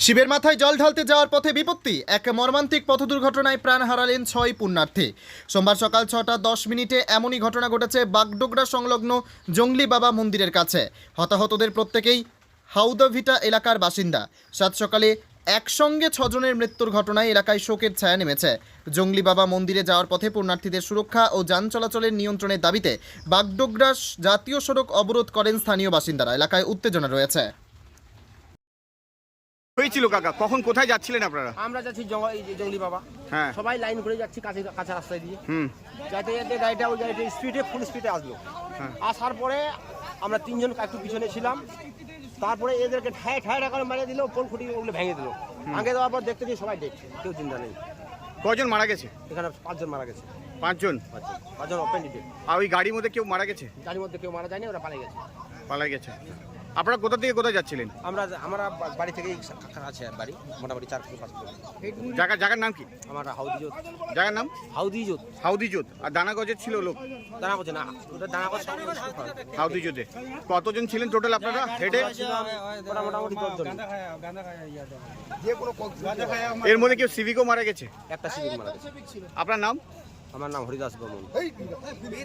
শিবের মাথায় জল ঢালতে যাওয়ার পথে বিপত্তি, এক মর্মান্তিক পথ দুর্ঘটনায় প্রাণ হারালেন 6 পুণ্যার্থী। সোমবার সকাল 6:10 এমনই ঘটনা ঘটেছে বাগডোগরা সংলগ্ন জঙ্গলি বাবা মন্দিরের কাছে। হতাহতদের প্রত্যেকেই হাউদাভিটা এলাকার বাসিন্দা। সাত সকালে একসঙ্গে 6 জনের মৃত্যুর ঘটনায় এলাকায় শোকের ছায়া নেমেছে। জঙ্গলি বাবা মন্দিরে যাওয়ার পথে পুণ্যার্থীদের সুরক্ষা ও যান চলাচলের নিয়ন্ত্রণের দাবিতে বাগডোগরা জাতীয় সড়ক অবরোধ করেন স্থানীয় বাসিন্দারা। এলাকায় উত্তেজনা রয়েছে। হয়েছিল কাকা, কখন কোথায় যাচ্ছিলেন আপনারা? আমরা যাচ্ছি জঙ্গলি বাবা। হ্যাঁ। সবাই লাইন করে যাচ্ছি কাঁচা রাস্তায় দিয়ে। যাইতে যাইতে গাড়িটা স্পিডে ফুল স্পিডে আসলো। আসার পরে আমরা তিনজন একটু পিছনে ছিলাম। তারপরে এদেরকে ঠায় করে মারিয়ে দিল, পোল খুঁটি ওগুলো ভেঙে দিল। ভেঙে দেওয়ার পর দেখতে দিই সবাই ডেট, কেউ চিন্তা নেই। কজন মারা গেছে? এখানে 5 জন মারা গেছে। 5 জন। 5 জন ওপেন ডিটেল। আর ওই গাড়ির মধ্যে কেউ মারা গেছে? গাড়ির মধ্যে কেউ মারা যায়নি, ওরা পালিয়ে গেছে। পালাই গেছে। আপনারা কোথা থেকে কোথায় যাচ্ছিলেন? আমরা বাড়ি থেকেই আছে বাড়ি, মোটামুটি 4 থেকে 5 কিলোমিটার। জায়গার নাম কি? আমার হাউদিজোত। জায়গার নাম হাউদিজোত। হাউদিজোত। আর দানাগজের ছিল লোক? দানা করছে না, ওটা দানা করছে। হাউদিজোতে কতজন ছিলেন টোটাল আপনারা হেডে? মোটামুটি 10 জন। এর মধ্যে কেউ সিভিকও মারা গেছে? একটা সিভিক মারা গেছে। আপনার নাম? আমার নাম হরিদাস বর্মন।